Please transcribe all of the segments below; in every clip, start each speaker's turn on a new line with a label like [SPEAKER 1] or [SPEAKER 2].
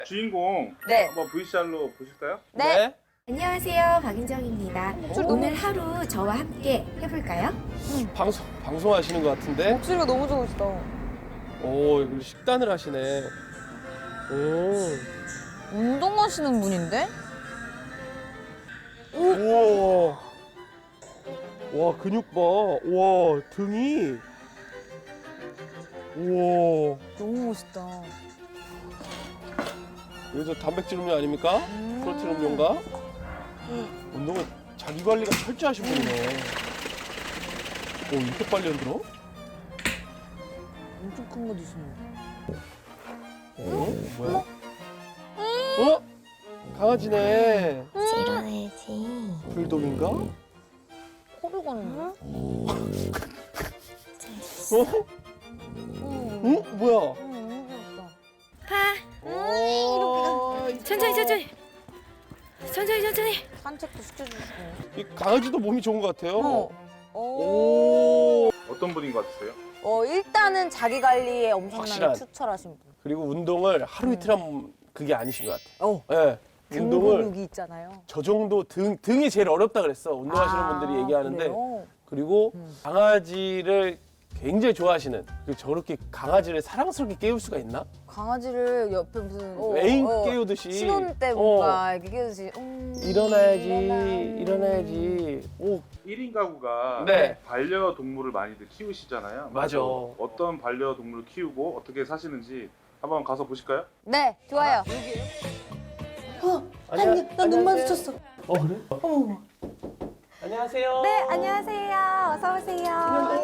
[SPEAKER 1] 주인공
[SPEAKER 2] 네.
[SPEAKER 1] 한번 VCR로 보실까요?
[SPEAKER 2] 네.
[SPEAKER 3] 안녕하세요, 박인정입니다. 오늘 하루 저와 함께 해볼까요?
[SPEAKER 4] 방송하시는 것 같은데?
[SPEAKER 2] 목소리가 너무 좋으시다.
[SPEAKER 4] 오, 그리고 식단을 하시네. 오.
[SPEAKER 2] 운동하시는 분인데?
[SPEAKER 4] 우와. 와, 근육 봐. 와, 등이. 우와.
[SPEAKER 2] 너무 멋있다.
[SPEAKER 4] 여기서 단백질 음료 아닙니까? 프로틴 음료인가? 운동은 자기 관리가 철저하신 분이네. 오, 이렇게 빨리 흔들어?
[SPEAKER 2] 엄청 큰 거 드시네.
[SPEAKER 4] 뭐야? 어? 강아지네.
[SPEAKER 3] 일어나야지.
[SPEAKER 4] 불독인가?
[SPEAKER 2] 코를 거는데?
[SPEAKER 4] 어? 뭐야?
[SPEAKER 2] 너무 귀엽다.
[SPEAKER 3] 천천히. 천천히.
[SPEAKER 2] 산책도 시켜주시고.
[SPEAKER 4] 이 강아지도 몸이 좋은 것 같아요.
[SPEAKER 2] 오.
[SPEAKER 1] 어떤 분인 것 같으세요?
[SPEAKER 2] 일단은 자기 관리에 엄청나게
[SPEAKER 4] 확실한.
[SPEAKER 2] 투철하신 분.
[SPEAKER 4] 그리고 운동을 하루 이틀 하면 그게 아니신 것 같아요. 예.
[SPEAKER 2] 등
[SPEAKER 4] 운동을
[SPEAKER 2] 근육이 있잖아요.
[SPEAKER 4] 저 정도 등이 제일 어렵다 그랬어. 운동하시는 분들이 얘기하는데.
[SPEAKER 2] 그래요?
[SPEAKER 4] 그리고 강아지를 굉장히 좋아하시는. 그리고 저렇게 강아지를 사랑스럽게 깨울 수가 있나?
[SPEAKER 2] 강아지를 옆에 무슨
[SPEAKER 4] 애인 깨우듯이.
[SPEAKER 2] 신혼 때 뭔가 이렇게 깨우듯이
[SPEAKER 4] 일어나야지. 오,
[SPEAKER 1] 1인 가구가
[SPEAKER 4] 네.
[SPEAKER 1] 반려동물을 많이들 키우시잖아요.
[SPEAKER 4] 맞아.
[SPEAKER 1] 어떤 반려동물을 키우고 어떻게 사시는지 한번 가서 보실까요?
[SPEAKER 2] 네, 좋아요.
[SPEAKER 4] 나 눈 마주쳤어. 그래? 안녕하세요.
[SPEAKER 3] 네, 안녕하세요. 어서 오세요.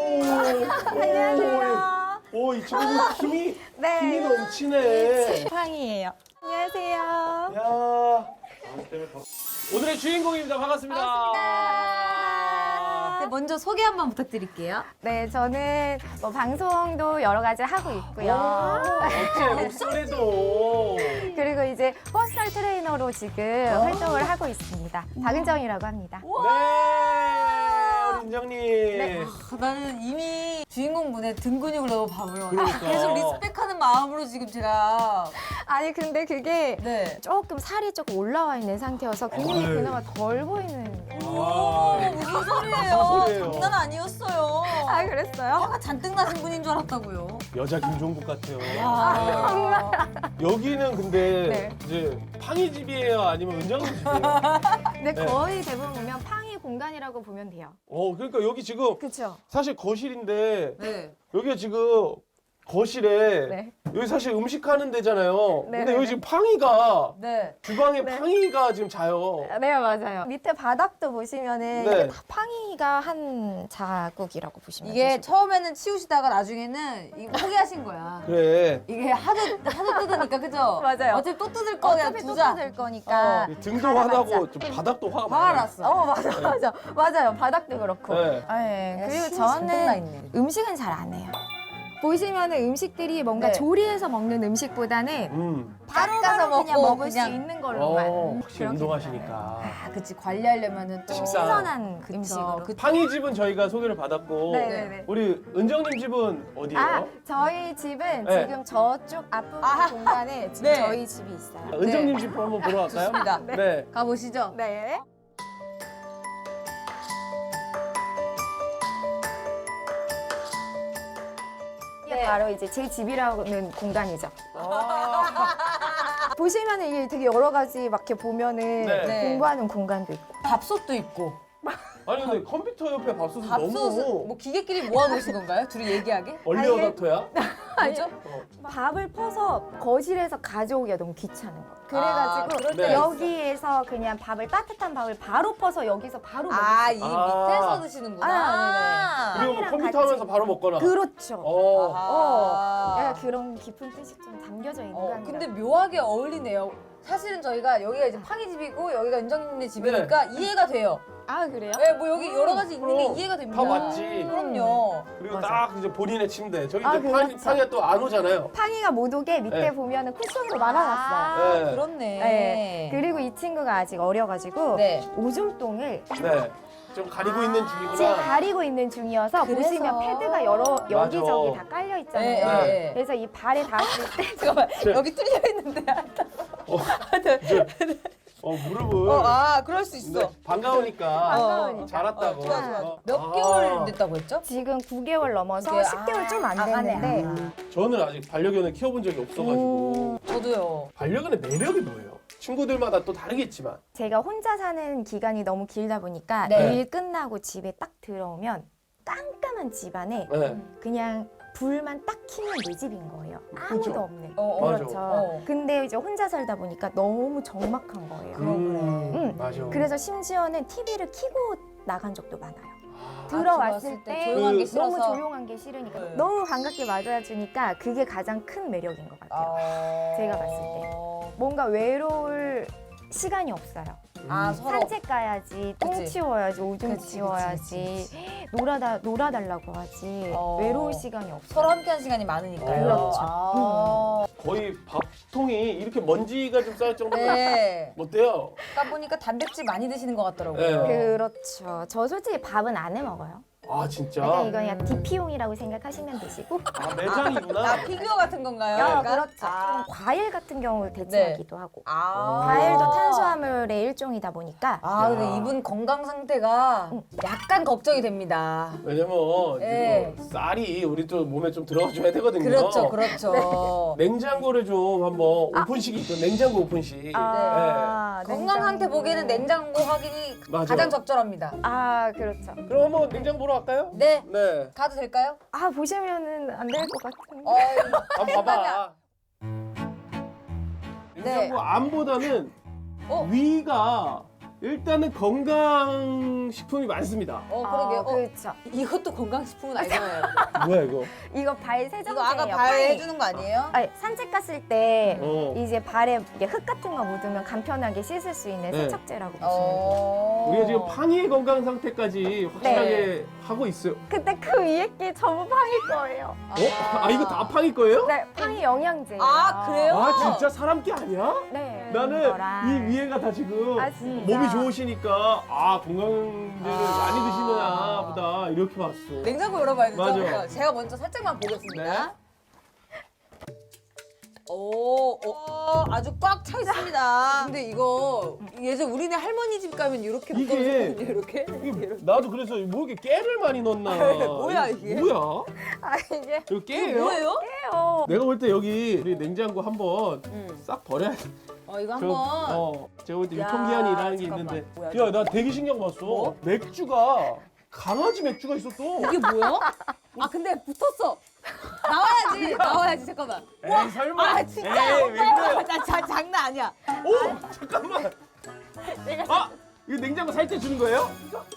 [SPEAKER 3] 안녕하세요.
[SPEAKER 4] 오, 이 친구 힘이
[SPEAKER 3] 네.
[SPEAKER 4] 넘치네.
[SPEAKER 3] 팡이에요. 안녕하세요.
[SPEAKER 4] 야. 오늘의 주인공입니다. 반갑습니다.
[SPEAKER 2] 네, 먼저 소개 한번 부탁드릴게요.
[SPEAKER 3] 네, 저는 뭐 방송도 여러 가지 하고 있고요.
[SPEAKER 4] 어째 목소리도.
[SPEAKER 3] 그리고 이제 퍼스널 트레이너로 지금 활동을 하고 있습니다. 박은정이라고 합니다.
[SPEAKER 4] 네, 우리 인정님.
[SPEAKER 2] 나는 이미 주인공 분의 등 근육을 너무 봐요.
[SPEAKER 4] 그러니까.
[SPEAKER 2] 계속 리스펙하는 마음으로 지금 제가
[SPEAKER 3] 아니 근데 그게
[SPEAKER 2] 네.
[SPEAKER 3] 조금 살이 조금 올라와 있는 상태여서 근육이
[SPEAKER 4] 아유.
[SPEAKER 3] 그나마 덜 보이는.
[SPEAKER 2] 무슨 소리예요?
[SPEAKER 4] 무슨 소리예요?
[SPEAKER 2] 장난 아니었어요.
[SPEAKER 3] 아 그랬어요?
[SPEAKER 2] 화가 잔뜩 나신 분인 줄 알았다고요.
[SPEAKER 4] 여자 김종국 같아요.
[SPEAKER 3] 정말.
[SPEAKER 4] 여기는 근데
[SPEAKER 3] 네.
[SPEAKER 4] 이제 팡이 집이에요? 아니면 은정님 집이에요?
[SPEAKER 3] 근데
[SPEAKER 4] 네.
[SPEAKER 3] 거의 대부분 보면 팡이 공간이라고 보면 돼요.
[SPEAKER 4] 그러니까 여기 지금
[SPEAKER 3] 그렇죠?
[SPEAKER 4] 사실 거실인데
[SPEAKER 2] 네.
[SPEAKER 4] 여기가 지금 거실에
[SPEAKER 3] 네.
[SPEAKER 4] 여기 사실 음식하는 데잖아요.
[SPEAKER 3] 네,
[SPEAKER 4] 근데
[SPEAKER 3] 네,
[SPEAKER 4] 여기
[SPEAKER 3] 네.
[SPEAKER 4] 지금 팡이가
[SPEAKER 2] 네.
[SPEAKER 4] 주방에
[SPEAKER 3] 네.
[SPEAKER 4] 팡이가 지금 자요.
[SPEAKER 3] 네 맞아요. 밑에 바닥도 보시면은
[SPEAKER 4] 네.
[SPEAKER 3] 이게 다 팡이가 한 자국이라고 보시면
[SPEAKER 2] 이게
[SPEAKER 3] 되시고.
[SPEAKER 2] 처음에는 치우시다가 나중에는 이거 포기하신 거야.
[SPEAKER 4] 그래.
[SPEAKER 2] 이게 하도 뜯으니까 그죠?
[SPEAKER 3] 맞아요.
[SPEAKER 2] 어차피 또 뜯을 거야
[SPEAKER 3] 어차피 또
[SPEAKER 2] 두자.
[SPEAKER 3] 뜯을 거니까.
[SPEAKER 4] 이 등도
[SPEAKER 3] 하나
[SPEAKER 4] 화나고
[SPEAKER 3] 맞자.
[SPEAKER 4] 좀 바닥도 화가
[SPEAKER 2] 화가
[SPEAKER 4] 많아요.
[SPEAKER 2] 났어.
[SPEAKER 3] 맞아요. 바닥도 그렇고.
[SPEAKER 4] 네.
[SPEAKER 3] 네. 그리고
[SPEAKER 2] 잔뜩 나
[SPEAKER 3] 저는
[SPEAKER 2] 있네.
[SPEAKER 3] 음식은 잘 안 해요. 보시면은 음식들이 뭔가
[SPEAKER 2] 네.
[SPEAKER 3] 조리해서 먹는 음식보다는
[SPEAKER 2] 바로
[SPEAKER 3] 닦아서
[SPEAKER 2] 먹고
[SPEAKER 3] 그냥 먹을
[SPEAKER 2] 그냥.
[SPEAKER 3] 수 있는 걸로만.
[SPEAKER 4] 확실히
[SPEAKER 3] 그렇게
[SPEAKER 4] 운동하시니까.
[SPEAKER 2] 아, 그치 관리하려면은 또
[SPEAKER 4] 식사.
[SPEAKER 3] 신선한
[SPEAKER 2] 그쵸.
[SPEAKER 3] 음식으로.
[SPEAKER 2] 그-
[SPEAKER 4] 팡이 집은 저희가 소개를 받았고
[SPEAKER 3] 네네네.
[SPEAKER 4] 우리 은정님 집은 어디예요?
[SPEAKER 3] 아, 저희 집은
[SPEAKER 4] 네.
[SPEAKER 3] 지금 저쪽 앞부분
[SPEAKER 2] 아하.
[SPEAKER 3] 공간에 지금
[SPEAKER 2] 네.
[SPEAKER 3] 저희 집이 있어요.
[SPEAKER 4] 은정님 집 한번 보러 갈까요?
[SPEAKER 2] 좋습니다.
[SPEAKER 4] 네.
[SPEAKER 2] 가보시죠.
[SPEAKER 3] 네. 이게 바로 이제 제 집이라는 공간이죠. 보시면은 이게 되게 여러 가지 막 이렇게 보면은
[SPEAKER 4] 네.
[SPEAKER 3] 공부하는 공간도 있고.
[SPEAKER 2] 밥솥도 있고.
[SPEAKER 4] 아니 근데 컴퓨터 옆에 밥솥은
[SPEAKER 2] 밥솥은
[SPEAKER 4] 너무
[SPEAKER 2] 뭐 기계끼리 모아놓으신 건가요? 둘이 얘기하게?
[SPEAKER 4] 얼리어답터야?
[SPEAKER 2] 아니죠?
[SPEAKER 3] 밥을 퍼서 거실에서 가져오기가 너무 귀찮은 거. 그래가지고
[SPEAKER 2] 그럴
[SPEAKER 4] 때
[SPEAKER 3] 여기에서 그냥 밥을 따뜻한 밥을 바로 퍼서 여기서 바로 먹을
[SPEAKER 2] 아,
[SPEAKER 3] 수
[SPEAKER 2] 이
[SPEAKER 4] 아.
[SPEAKER 2] 밑에서 드시는구나.
[SPEAKER 3] 아,
[SPEAKER 4] 그리고 뭐
[SPEAKER 3] 빵이랑
[SPEAKER 4] 컴퓨터
[SPEAKER 3] 같이.
[SPEAKER 4] 하면서 바로 먹거나
[SPEAKER 3] 그렇죠.
[SPEAKER 2] 아하.
[SPEAKER 3] 약간 그런 깊은 뜻이 좀 담겨져 있는 거 아니에요?
[SPEAKER 2] 근데 묘하게 어울리네요. 사실은 저희가 여기가 이제 팡이 집이고 여기가 은정님네 집이니까 이해가 돼요.
[SPEAKER 3] 아 그래요?
[SPEAKER 2] 네, 뭐 여기 여러 가지 있는 게
[SPEAKER 4] 그럼.
[SPEAKER 2] 이해가 됩니다.
[SPEAKER 4] 다 맞지.
[SPEAKER 2] 그럼요.
[SPEAKER 4] 그리고
[SPEAKER 3] 맞아.
[SPEAKER 4] 딱 이제 본인의 침대 저기
[SPEAKER 3] 아,
[SPEAKER 4] 이제
[SPEAKER 3] 그렇죠.
[SPEAKER 4] 팡이가 또 안 오잖아요.
[SPEAKER 3] 팡이가 못 오게 밑에
[SPEAKER 4] 네.
[SPEAKER 3] 보면은 쿠션으로 말아놨어요.
[SPEAKER 2] 아,
[SPEAKER 4] 네.
[SPEAKER 2] 그렇네.
[SPEAKER 3] 네. 그리고 이 친구가 아직 어려가지고
[SPEAKER 2] 네.
[SPEAKER 3] 오줌똥을
[SPEAKER 4] 네. 좀 가리고 있는
[SPEAKER 3] 지금
[SPEAKER 4] 중이구나.
[SPEAKER 3] 가리고 있는 중이어서
[SPEAKER 2] 그래서.
[SPEAKER 3] 보시면 패드가 여기저기 다 깔려 있잖아요.
[SPEAKER 2] 네, 네.
[SPEAKER 3] 그래서 이 발에 닿았을 때
[SPEAKER 2] 잠깐만, 여기 뚫려 있는데.
[SPEAKER 4] 무릎을.
[SPEAKER 2] 그럴 수 있어.
[SPEAKER 4] 네, 반가우니까.
[SPEAKER 3] 반가우니까.
[SPEAKER 4] 잘 왔다고.
[SPEAKER 2] 좋아, 좋아. 몇
[SPEAKER 4] 아.
[SPEAKER 2] 개월 됐다고 했죠?
[SPEAKER 3] 지금 9개월 넘어서
[SPEAKER 2] 그게-
[SPEAKER 3] 10개월 좀 안
[SPEAKER 2] 가네.
[SPEAKER 3] 됐는데
[SPEAKER 4] 저는 아직 반려견을 키워본 적이 없어가지고.
[SPEAKER 2] 저도요.
[SPEAKER 4] 반려견의 매력이 뭐예요? 친구들마다 또 다르겠지만.
[SPEAKER 3] 제가 혼자 사는 기간이 너무 길다 보니까
[SPEAKER 2] 네.
[SPEAKER 3] 일 끝나고 집에 딱 들어오면 깜깜한 집안에
[SPEAKER 4] 네.
[SPEAKER 3] 그냥 불만 딱 켜면 내 집인 거예요. 아무도
[SPEAKER 4] 그죠?
[SPEAKER 3] 없네.
[SPEAKER 4] 맞아.
[SPEAKER 3] 그렇죠. 근데 이제 혼자 살다 보니까 너무 적막한 거예요.
[SPEAKER 4] 맞아.
[SPEAKER 3] 그래서 심지어는 TV를 켜고 나간 적도 많아요.
[SPEAKER 4] 아,
[SPEAKER 3] 들어왔을 때
[SPEAKER 2] 조용한 게 싫어서.
[SPEAKER 3] 너무 조용한 게 싫으니까
[SPEAKER 2] 네.
[SPEAKER 3] 너무 반갑게 맞아주니까 그게 가장 큰 매력인 것 같아요. 제가 봤을 때. 뭔가 외로울 시간이 없어요.
[SPEAKER 2] 서로.
[SPEAKER 3] 산책 가야지, 똥
[SPEAKER 2] 그치.
[SPEAKER 3] 치워야지, 오줌
[SPEAKER 2] 그치,
[SPEAKER 3] 치워야지,
[SPEAKER 2] 그치.
[SPEAKER 3] 놀아달라고 하지. 외로울 시간이 없어요.
[SPEAKER 2] 서로 함께한 시간이 많으니까요.
[SPEAKER 3] 그렇죠.
[SPEAKER 4] 거의 밥통이 이렇게 먼지가 좀 쌓일 정도로
[SPEAKER 2] 네.
[SPEAKER 4] 어때요?
[SPEAKER 2] 딱 보니까 단백질 많이 드시는 것 같더라고요.
[SPEAKER 4] 네.
[SPEAKER 3] 그렇죠. 저 솔직히 밥은 안 해 먹어요.
[SPEAKER 4] 아 진짜?
[SPEAKER 3] 약간 이거 그냥 DP용이라고 생각하시면 되시고.
[SPEAKER 4] 아 매장이구나.
[SPEAKER 2] 피규어 같은 건가요?
[SPEAKER 3] 야,
[SPEAKER 2] 약간?
[SPEAKER 3] 그렇죠. 좀 과일 같은 경우 대체하기도 하고.
[SPEAKER 2] 아.
[SPEAKER 3] 과일도 탄수화물의 일종이다 보니까.
[SPEAKER 2] 근데
[SPEAKER 4] 야.
[SPEAKER 2] 이분 건강 상태가 약간 걱정이 됩니다.
[SPEAKER 4] 왜냐면
[SPEAKER 2] 네.
[SPEAKER 4] 이거 쌀이 우리 또 몸에 좀 들어가줘야 되거든요.
[SPEAKER 2] 그렇죠, 그렇죠.
[SPEAKER 4] 냉장고를 좀 한번 오픈식이 있고 냉장고 오픈식.
[SPEAKER 2] 네. 건강 상태 보기에는 냉장고 확인이
[SPEAKER 4] 맞아.
[SPEAKER 2] 가장 적절합니다.
[SPEAKER 3] 그렇죠.
[SPEAKER 4] 그럼 한번 냉장고 보러 갈까요?
[SPEAKER 2] 네.
[SPEAKER 4] 네.
[SPEAKER 2] 가도 될까요?
[SPEAKER 3] 보시면은 안 될 것 같은데.
[SPEAKER 4] 한번 봐봐. 냉장고 안보다는 위가 일단은 건강식품이 많습니다.
[SPEAKER 2] 그러게요.
[SPEAKER 3] 그렇죠.
[SPEAKER 2] 이것도 건강식품은 아니잖아요.
[SPEAKER 4] 뭐야 이거?
[SPEAKER 3] 이거 발
[SPEAKER 2] 이거
[SPEAKER 3] 세정제예요.
[SPEAKER 2] 아까 발
[SPEAKER 3] 파이.
[SPEAKER 2] 해주는 거 아니에요?
[SPEAKER 3] 산책 갔을 때
[SPEAKER 4] 어.
[SPEAKER 3] 이제 발에 이게 흙 같은 거 묻으면 간편하게 씻을 수 있는
[SPEAKER 4] 네.
[SPEAKER 3] 세척제라고 보시면 돼요.
[SPEAKER 4] 우리가 지금 팡이의 건강 상태까지 확실하게 하고 있어요.
[SPEAKER 3] 근데 그 위에 게 전부 팡일 거예요.
[SPEAKER 4] 이거 다 팡이 거예요?
[SPEAKER 3] 네, 팡이 영양제예요.
[SPEAKER 2] 그래요?
[SPEAKER 4] 아 진짜 사람 게 아니야?
[SPEAKER 3] 네.
[SPEAKER 4] 나는
[SPEAKER 3] 이거랑.
[SPEAKER 4] 이 위에가 다 지금
[SPEAKER 3] 진짜.
[SPEAKER 4] 몸이 좋으시니까 건강제를 많이 드시나 보다 이렇게 봤어.
[SPEAKER 2] 냉장고 열어봐야 되죠?
[SPEAKER 4] 맞아.
[SPEAKER 2] 그러니까 제가 먼저 살짝만 보겠습니다. 아주 꽉 차 있습니다. 근데 이거 예전 우리네 할머니 집 가면 이렇게
[SPEAKER 4] 이게-
[SPEAKER 2] 묶어놓거든요, 이렇게.
[SPEAKER 4] 나도 그래서 뭐 이렇게 깨를 많이 넣나.
[SPEAKER 2] 뭐야, 이게?
[SPEAKER 4] 뭐야?
[SPEAKER 3] 이게
[SPEAKER 4] 이거 깨예요?
[SPEAKER 2] 뭐예요?
[SPEAKER 3] 해요.
[SPEAKER 4] 내가 볼 때 여기 우리 냉장고 한번 싹 버려야 돼.
[SPEAKER 2] 이거 한번.
[SPEAKER 4] 제가 볼 때
[SPEAKER 2] 야,
[SPEAKER 4] 유통기한이라는 게
[SPEAKER 2] 잠깐만.
[SPEAKER 4] 있는데.
[SPEAKER 2] 뭐야,
[SPEAKER 4] 야, 나 되게 신경 봤어.
[SPEAKER 2] 뭐?
[SPEAKER 4] 맥주가 강아지 맥주가 있었어.
[SPEAKER 2] 이게 뭐야? 근데 붙었어. 나와야지. 잠깐만.
[SPEAKER 4] 에이, 설마.
[SPEAKER 2] 진짜.
[SPEAKER 4] 에이, 왜 그래요?
[SPEAKER 2] 나 장난 아니야.
[SPEAKER 4] 오, 잠깐만. 이거 냉장고 살 때 주는 거예요?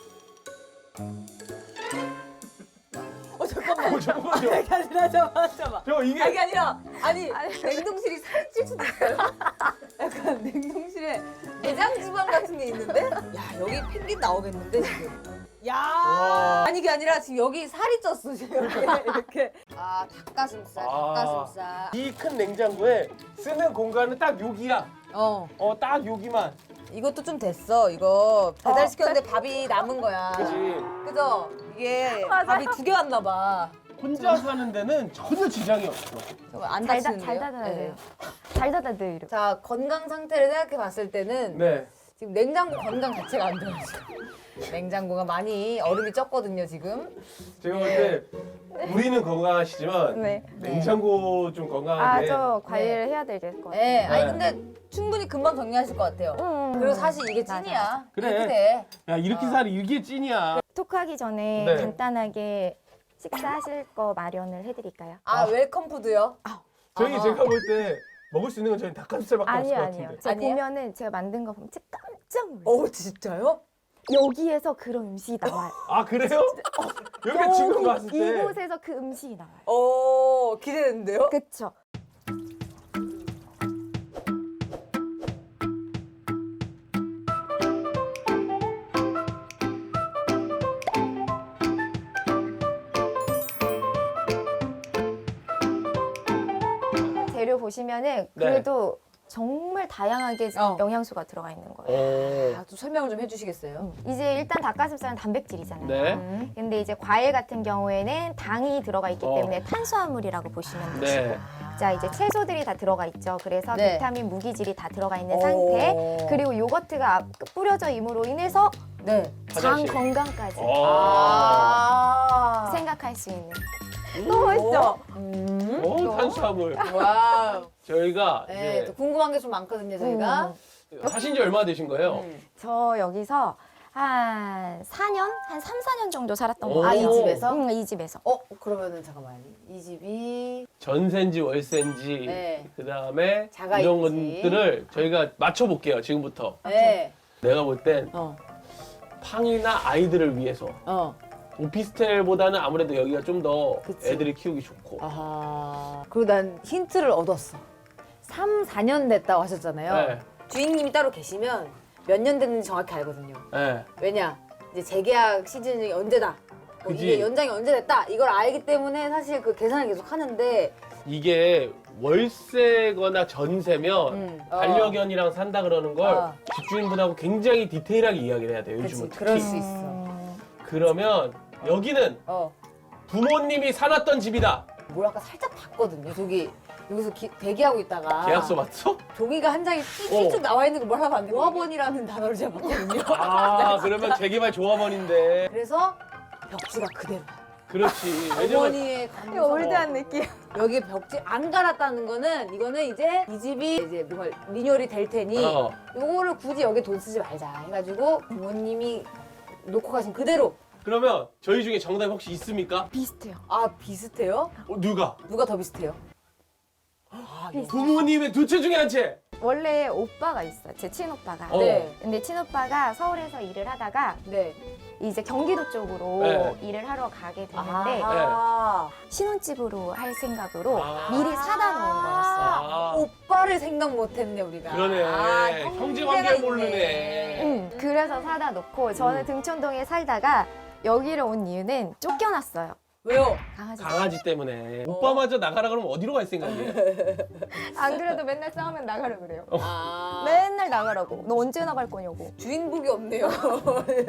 [SPEAKER 2] 잠깐만.
[SPEAKER 4] 잠깐만요.
[SPEAKER 2] 이게 아니라 잠깐만.
[SPEAKER 4] 이게
[SPEAKER 2] 이게 아니라 냉동실이 살찔 수도 있어요. 약간 냉동실에 내장 지방 같은 게 있는데, 여기 펭귄 나오겠는데 지금. 아니 이게 아니라 지금 여기 살이 쪘어 지금 이렇게. 닭가슴살.
[SPEAKER 4] 이 큰 냉장고에 쓰는 공간은 딱 여기야. 딱 여기만.
[SPEAKER 2] 이것도 좀 됐어. 이거 배달 시켰는데 밥이 남은 거야.
[SPEAKER 4] 그지?
[SPEAKER 2] 그죠? 이게
[SPEAKER 3] 맞아요.
[SPEAKER 2] 밥이 2개 왔나 봐.
[SPEAKER 4] 혼자 사는 데는 전혀 지장이 없어.
[SPEAKER 2] 안
[SPEAKER 3] 잘
[SPEAKER 2] 다치는데요?
[SPEAKER 3] 닫아야
[SPEAKER 2] 네.
[SPEAKER 3] 돼요. 잘 닫아야 돼요. 이렇게.
[SPEAKER 2] 자, 건강 상태를 생각해 봤을 때는
[SPEAKER 4] 네.
[SPEAKER 2] 지금 냉장고 건강 자체가 안 좋아요. 냉장고가 많이 얼음이 쪘거든요, 지금.
[SPEAKER 4] 제가 볼 때 우리는 건강하시지만
[SPEAKER 3] 네.
[SPEAKER 4] 냉장고 좀 건강하게.
[SPEAKER 3] 저 관리를 해야 될 것 같아요.
[SPEAKER 2] 네, 아니
[SPEAKER 4] 네.
[SPEAKER 2] 근데 충분히 금방 정리하실 것 같아요. 그리고 사실 이게
[SPEAKER 3] 맞아.
[SPEAKER 2] 찐이야.
[SPEAKER 4] 그래.
[SPEAKER 2] 이렇게 돼.
[SPEAKER 4] 야, 이렇게 살이 이게 찐이야.
[SPEAKER 3] 토크하기 전에
[SPEAKER 4] 네.
[SPEAKER 3] 간단하게 식사하실 거 마련을 해드릴까요?
[SPEAKER 2] 웰컴 푸드요?
[SPEAKER 4] 제가 볼 때 먹을 수 있는 건 저희 닭가슴살밖에 없을 것
[SPEAKER 3] 아니요.
[SPEAKER 4] 같은데.
[SPEAKER 3] 제가
[SPEAKER 2] 아니에요?
[SPEAKER 3] 보면은 제가 만든 거 보면 진짜 깜짝 놀라요.
[SPEAKER 2] 진짜요?
[SPEAKER 3] 여기에서 그런 음식이 나와요.
[SPEAKER 4] 아, 그래요? 여기 지금 봤을 때.
[SPEAKER 3] 이곳에서 그 음식이 나와요.
[SPEAKER 2] 기대되는데요?
[SPEAKER 3] 그쵸? 재료 보시면은 그래도 정말 다양하게 영양소가 들어가 있는 거예요.
[SPEAKER 2] 또 설명을 좀 해주시겠어요?
[SPEAKER 3] 이제 일단 닭가슴살은 단백질이잖아요.
[SPEAKER 4] 네.
[SPEAKER 3] 근데 이제 과일 같은 경우에는 당이 들어가 있기 때문에 탄수화물이라고 보시면 되시고
[SPEAKER 4] 네.
[SPEAKER 3] 자, 이제 채소들이 다 들어가 있죠. 그래서
[SPEAKER 2] 네.
[SPEAKER 3] 비타민, 무기질이 다 들어가 있는 상태. 그리고 요거트가 뿌려져 임으로 인해서
[SPEAKER 2] 네.
[SPEAKER 3] 장
[SPEAKER 4] 화장실.
[SPEAKER 3] 건강까지
[SPEAKER 2] 아.
[SPEAKER 3] 생각할 수 있는. 너무 맛있죠?
[SPEAKER 4] 탄수화물.
[SPEAKER 2] 와우.
[SPEAKER 4] 저희가
[SPEAKER 2] 네,
[SPEAKER 4] 이제
[SPEAKER 2] 또 궁금한 게 좀 많거든요, 저희가.
[SPEAKER 4] 하신 지 얼마나 되신 거예요?
[SPEAKER 3] 저 여기서 한 4년? 한 3, 4년 정도 살았던
[SPEAKER 4] 오.
[SPEAKER 3] 것 같아요.
[SPEAKER 2] 아, 이 집에서?
[SPEAKER 3] 응, 이 집에서.
[SPEAKER 2] 그러면은 잠깐만. 이 집이
[SPEAKER 4] 전세인지 월세인지
[SPEAKER 2] 네.
[SPEAKER 4] 그다음에
[SPEAKER 2] 자가
[SPEAKER 4] 이런
[SPEAKER 2] 있지.
[SPEAKER 4] 것들을 저희가 맞춰볼게요. 지금부터.
[SPEAKER 2] 네.
[SPEAKER 4] 내가 볼 땐
[SPEAKER 2] 어.
[SPEAKER 4] 팡이나 아이들을 위해서 오피스텔보다는 아무래도 여기가 좀 더
[SPEAKER 2] 그치.
[SPEAKER 4] 애들이 키우기 좋고.
[SPEAKER 2] 아하. 그리고 난 힌트를 얻었어. 3, 4년 됐다고 하셨잖아요.
[SPEAKER 4] 네.
[SPEAKER 2] 주인님이 따로 계시면 몇 년 됐는지 정확히 알거든요.
[SPEAKER 4] 네.
[SPEAKER 2] 왜냐? 이제 재계약 시즌이 언제다. 뭐
[SPEAKER 4] 그지.
[SPEAKER 2] 이게 연장이 언제 됐다. 이걸 알기 때문에 사실 그 계산을 계속 하는데
[SPEAKER 4] 이게 월세거나 전세면 반려견이랑 산다 그러는 걸 집주인분하고 굉장히 디테일하게 이야기를 해야 돼요. 요즘은
[SPEAKER 2] 그치,
[SPEAKER 4] 특히.
[SPEAKER 2] 그럴 수 있어.
[SPEAKER 4] 그러면 여기는
[SPEAKER 2] 어.
[SPEAKER 4] 부모님이 살았던 집이다.
[SPEAKER 2] 뭘 아까 살짝 봤거든요. 저기 여기서 대기하고 있다가
[SPEAKER 4] 계약서 맞죠?
[SPEAKER 2] 종이가 한 장이 쭉 나와 있는 거 뭘 하면 안 돼. 조합원이라는 단어를 제가 봤거든요.
[SPEAKER 4] 아, 그러면 재개발 조합원인데.
[SPEAKER 2] 그래서 벽지가 그대로.
[SPEAKER 4] 그렇지. 왜냐면
[SPEAKER 2] 어머니의 감성.
[SPEAKER 3] 올드한 느낌.
[SPEAKER 2] 여기 벽지 안 갈았다는 거는 이거는 이제 이 집이 이제 뭔가 리뉴얼이 될 테니
[SPEAKER 4] 어.
[SPEAKER 2] 요거를 굳이 여기 돈 쓰지 말자 해가지고 부모님이 놓고 가신 그대로.
[SPEAKER 4] 그러면 저희 중에 정답이 혹시 있습니까?
[SPEAKER 3] 비슷해요.
[SPEAKER 2] 아 비슷해요?
[SPEAKER 4] 누가?
[SPEAKER 2] 누가 더 비슷해요?
[SPEAKER 4] 부모님의 두 채 중에 한 채.
[SPEAKER 3] 원래 오빠가 있어요. 제 친오빠가.
[SPEAKER 4] 어.
[SPEAKER 2] 네.
[SPEAKER 3] 근데 친오빠가 서울에서 일을 하다가
[SPEAKER 2] 네.
[SPEAKER 3] 이제 경기도 쪽으로
[SPEAKER 4] 네.
[SPEAKER 3] 일을 하러 가게 됐는데
[SPEAKER 2] 아하.
[SPEAKER 3] 신혼집으로 할 생각으로
[SPEAKER 4] 아.
[SPEAKER 3] 미리 사다 놓은 거였어요.
[SPEAKER 4] 아.
[SPEAKER 2] 오빠를 생각 못했네 우리가.
[SPEAKER 4] 그러네. 형제 관계
[SPEAKER 2] 있네.
[SPEAKER 4] 모르네.
[SPEAKER 3] 그래서 사다 놓고 저는 등촌동에 살다가 여기를 온 이유는 쫓겨났어요.
[SPEAKER 2] 왜요?
[SPEAKER 3] 강아지.
[SPEAKER 4] 강아지 때문에. 오빠마저 나가라 그러면 어디로 갈 생각이에요?
[SPEAKER 3] 안 그래도 맨날 싸우면 나가라 그래요.
[SPEAKER 2] 아.
[SPEAKER 3] 맨날 나가라고. 너 언제 나갈 거냐고.
[SPEAKER 2] 주인복이 없네요.